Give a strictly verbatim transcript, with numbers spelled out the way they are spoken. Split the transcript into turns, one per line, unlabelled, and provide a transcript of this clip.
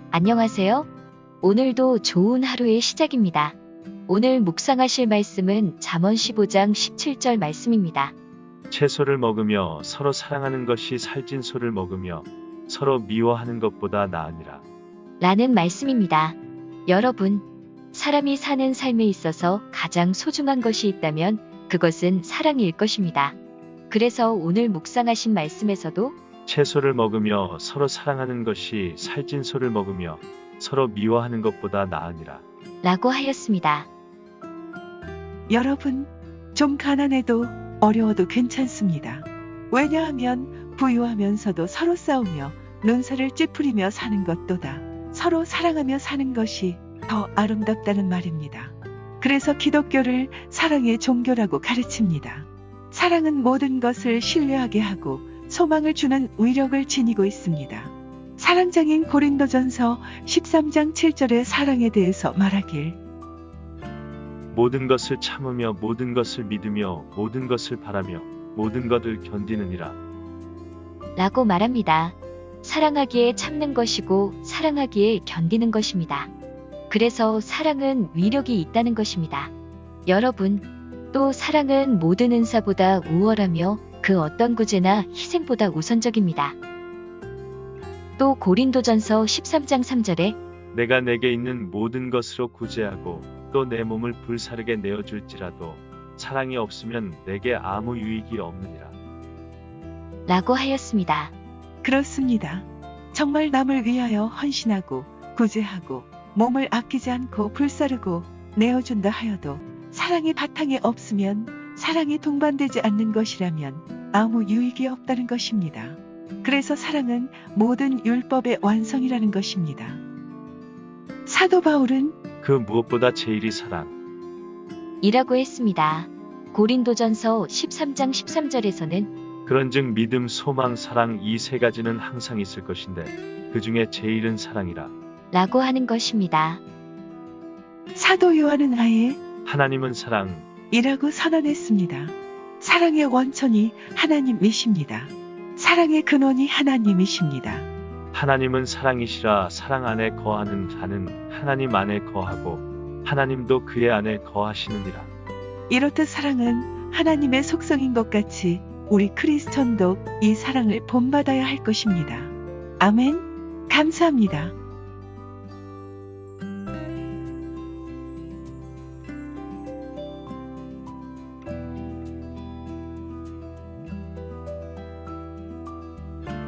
안녕하세요. 오늘도 좋은 하루의 시작입니다. 오늘 묵상하실 말씀은 잠언 십오 장 십칠 절 말씀입니다.
채소를 먹으며 서로 사랑하는 것이 살찐 소를 먹으며 서로 미워하는 것보다 나으니라.
라는 말씀입니다. 여러분, 사람이 사는 삶에 있어서 가장 소중한 것이 있다면 그것은 사랑일 것입니다. 그래서 오늘 묵상하신 말씀에서도
채소를 먹으며 서로 사랑하는 것이 살찐 소를 먹으며 서로 미워하는 것보다 나으니라.
라고 하였습니다.
여러분, 좀 가난해도 어려워도 괜찮습니다. 왜냐하면 부유하면서도 서로 싸우며 눈살을 찌푸리며 사는 것보다 서로 사랑하며 사는 것이 더 아름답다는 말입니다. 그래서 기독교를 사랑의 종교라고 가르칩니다. 사랑은 모든 것을 신뢰하게 하고 소망을 주는 위력을 지니고 있습니다. 사랑장인 고린도전서 십삼 장 칠 절의 사랑에 대해서 말하길
모든 것을 참으며 모든 것을 믿으며 모든 것을 바라며 모든 것을 견디느니라.
라고 말합니다. 사랑하기에 참는 것이고 사랑하기에 견디는 것입니다. 그래서 사랑은 위력이 있다는 것입니다. 여러분, 또 사랑은 모든 은사보다 우월하며 그 어떤 구제나 희생보다 우선적입니다. 또 고린도전서 십삼 장 삼 절에
내가 내게 있는 모든 것으로 구제하고 또 내 몸을 불사르게 내어줄지라도 사랑이 없으면 내게 아무 유익이 없느니라.
라고 하였습니다.
그렇습니다. 정말 남을 위하여 헌신하고 구제하고 몸을 아끼지 않고 불사르고 내어준다 하여도 사랑이 바탕에 없으면 사랑이 동반되지 않는 것이라면 아무 유익이 없다는 것입니다. 그래서 사랑은 모든 율법의 완성이라는 것입니다. 사도 바울은
그 무엇보다 제일이 사랑.
이라고 했습니다. 고린도전서 십삼 장 십삼 절에서는
그런즉 믿음, 소망, 사랑 이 세 가지는 항상 있을 것인데 그 중에 제일은 사랑이라.
라고 하는 것입니다.
사도 요한은 아예
하나님은 사랑.
이라고 선언했습니다. 사랑의 원천이 하나님이십니다. 사랑의 근원이 하나님이십니다.
하나님은 사랑이시라. 사랑 안에 거하는 자는 하나님 안에 거하고 하나님도 그의 안에 거하시느니라.
이렇듯 사랑은 하나님의 속성인 것 같이 우리 크리스천도 이 사랑을 본받아야 할 것입니다. 아멘. 감사합니다.